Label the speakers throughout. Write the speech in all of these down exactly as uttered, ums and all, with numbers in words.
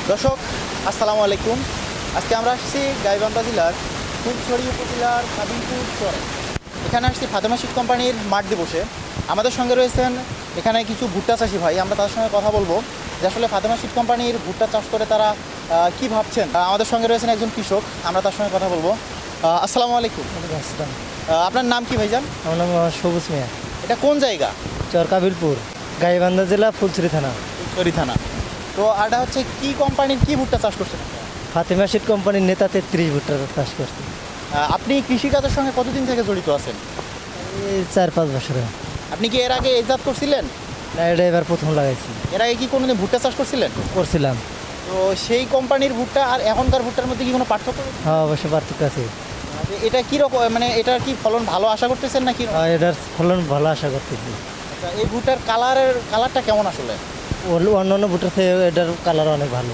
Speaker 1: দর্শক আসসালামু আলাইকুম। আজকে আমরা আসছি গাইবান্ধা জেলার ফুলছড়ি উপজেলার কাবিলপুর চরে। এখানে আসছি ফাতেমা সিড কোম্পানির মাঠ দিবসে। আমাদের সঙ্গে রয়েছেন এখানে কিছু ভুট্টা চাষি ভাই। আমরা তাদের সঙ্গে কথা বলবো যে আসলে ফাতেমা সিড কোম্পানির ভুট্টা চাষ করে তারা কি ভাবছেন। আমাদের সঙ্গে রয়েছেন একজন কৃষক, আমরা তার সঙ্গে কথা বলবো। আসসালামু আলাইকুম।
Speaker 2: আসসালাম।
Speaker 1: আপনার নাম কি ভাইজান?
Speaker 2: আমার নাম সবুজ মিয়া।
Speaker 1: এটা কোন জায়গা?
Speaker 2: চর কাবিলপুর, গাইবান্ধা জেলা, ফুলছড়ি থানা।
Speaker 1: ফুলছড়ি থানা। তো এটা হচ্ছে কি কোম্পানির কি ভুট্টা চাষ করছেন?
Speaker 2: ফাতেমা সিড কোম্পানির নেতা তেত্রিশ ভুট্টা চাষ করছে।
Speaker 1: আপনি কৃষিকাজের সঙ্গে কতদিন থেকে জড়িত আছেন?
Speaker 2: এই চার পাঁচ বছরে।
Speaker 1: আপনি কি এর আগে এজাত করছিলেন?
Speaker 2: না, এটা এবার প্রথম লাগাইছি।
Speaker 1: এর আগে কি কোনোদিন ভুট্টা চাষ করছিলেন?
Speaker 2: করছিলাম।
Speaker 1: তো সেই কোম্পানির ভুট্টা আর এখনকার ভুট্টার মধ্যে কি কোনো পার্থক্য?
Speaker 2: হ্যাঁ, অবশ্যই পার্থক্য আছে।
Speaker 1: এটা কি রকম, মানে এটার কি ফলন ভালো আশা করতেছেন নাকি?
Speaker 2: হ্যাঁ, এটার ফলন ভালো আশা করতেছি।
Speaker 1: আচ্ছা, এই ভুট্টার কালারের কালারটা কেমন আসলে?
Speaker 2: অন্যান্য ভুট্টার থেকে এটার কালার অনেক ভালো।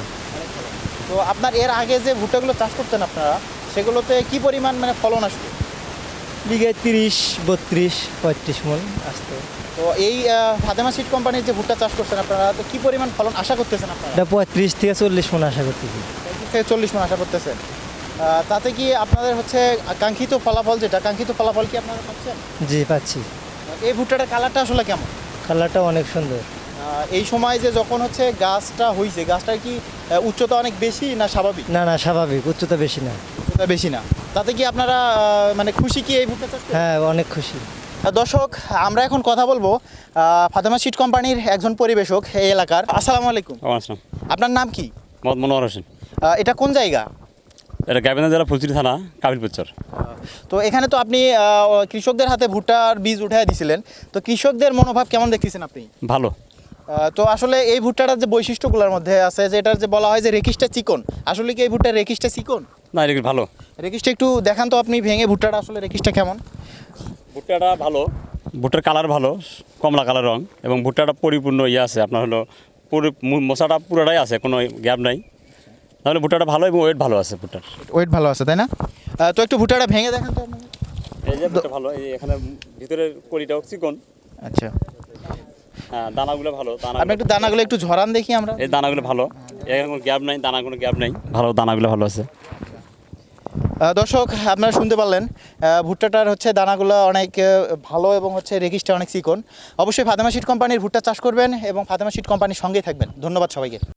Speaker 1: তো আপনার এর আগে যে ভুট্টাগুলো চাষ করতেন আপনারা, সেগুলোতে কি পরিমাণ মানে ফলন আসতো?
Speaker 2: বিঘায় তিরিশ বত্রিশ পঁয়ত্রিশ মন আসতো।
Speaker 1: তো এই ফাতেমা সিড কোম্পানির যে ভুট্টা চাষ করছেন আপনারা, তো কি পরিমাণ ফলন আশা করতেছেন আপনারা?
Speaker 2: এটা পঁয়ত্রিশ থেকে চল্লিশ মন আশা করতেছি।
Speaker 1: পঁয়ত্রিশ থেকে চল্লিশ মন আশা করতেছেন। তাতে কি আপনাদের হচ্ছে কাঙ্ক্ষিত ফলাফল, যেটা কাঙ্ক্ষিত ফলাফল কি আপনারা পাচ্ছেন?
Speaker 2: জি, পাচ্ছি।
Speaker 1: এই ভুট্টাটার কালারটা আসলে কেমন?
Speaker 2: কালারটা অনেক সুন্দর।
Speaker 1: এই সময় যে যখন হচ্ছে গাছটা হয়েছে, গাছটার কি উচ্চতা অনেক বেশি না স্বাভাবিক?
Speaker 2: না না, স্বাভাবিক, উচ্চতা বেশি না।
Speaker 1: উচ্চতা বেশি না। তাতে কি আপনারা মানে খুশি কি এই ভুট্টা চাষ করে?
Speaker 2: হ্যাঁ, অনেক খুশি।
Speaker 1: দর্শক, আমরা এখন কথা বলবো ফাতেমা সিড কোম্পানির একজন পরিবেশক এই এলাকার। আসসালামু আলাইকুম।
Speaker 3: আসসালাম।
Speaker 1: আপনার নাম কি?
Speaker 3: মোহাম্মদ মনোয়ার হোসেন।
Speaker 1: এটা কোন জায়গা?
Speaker 3: এটা গাইবান্ধা জেলা ফুলছড়ি থানা, কাবিলপুর চর।
Speaker 1: তো এখানে তো আপনি কৃষকদের হাতে ভুট্টার বীজ উঠাই দিছিলেন, তো কৃষকদের মনোভাব কেমন দেখতেছেন আপনি?
Speaker 3: ভালো।
Speaker 1: তো আসলে এই ভুট্টাটার যে বৈশিষ্ট্যগুলোর মধ্যে আছে, যে এটার যে বলা হয় যে রেকিসটা চিকন, আসলে কি এই ভুট্টার রেকিসটা চিকন?
Speaker 3: না, এটা ভালো।
Speaker 1: রেকিসটা একটু দেখান তো আপনি ভেঙে, ভুট্টাটা আসলে রেকিসটা কেমন?
Speaker 3: ভুট্টাটা ভালো, ভুট্টার কালার ভালো, কমলা কালার রং, এবং ভুট্টাটা পরিপূর্ণ ইয়ে আছে আপনার হলো পুরো মশাটা পুরোটাই আছে, কোনো গ্যাপ নাই। তাহলে ভুট্টাটা ভালো এবং ওয়েট ভালো আছে। ভুট্টার
Speaker 1: ওয়েট ভালো আছে, তাই না? তো একটু ভুট্টাটা ভেঙে দেখান তো আপনাকে।
Speaker 3: এই যে ভুট্টা ভালো, এই এখানে ভিতরের কলিটাও চিকন।
Speaker 1: আচ্ছা,
Speaker 3: হ্যাঁ, দানাগুলো ভালো। দানা
Speaker 1: আপনি একটু দানাগুলো একটু ঝরান দেখি আমরা।
Speaker 3: এই দানাগুলো ভালো, এখানে কোনো গ্যাপ নাই, দানা কোনো গ্যাপ নাই, ভালো, দানাগুলো ভালো আছে।
Speaker 1: দর্শক, আপনারা শুনতে পারলেন ভুট্টাটার হচ্ছে দানাগুলো অনেক ভালো এবং হচ্ছে রেকিসটা অনেক চিকন। অবশ্যই ফাতেমা সিড কোম্পানির ভুট্টা চাষ করবেন এবং ফাতেমা সিড কোম্পানির সঙ্গেই থাকবেন। ধন্যবাদ সবাইকে।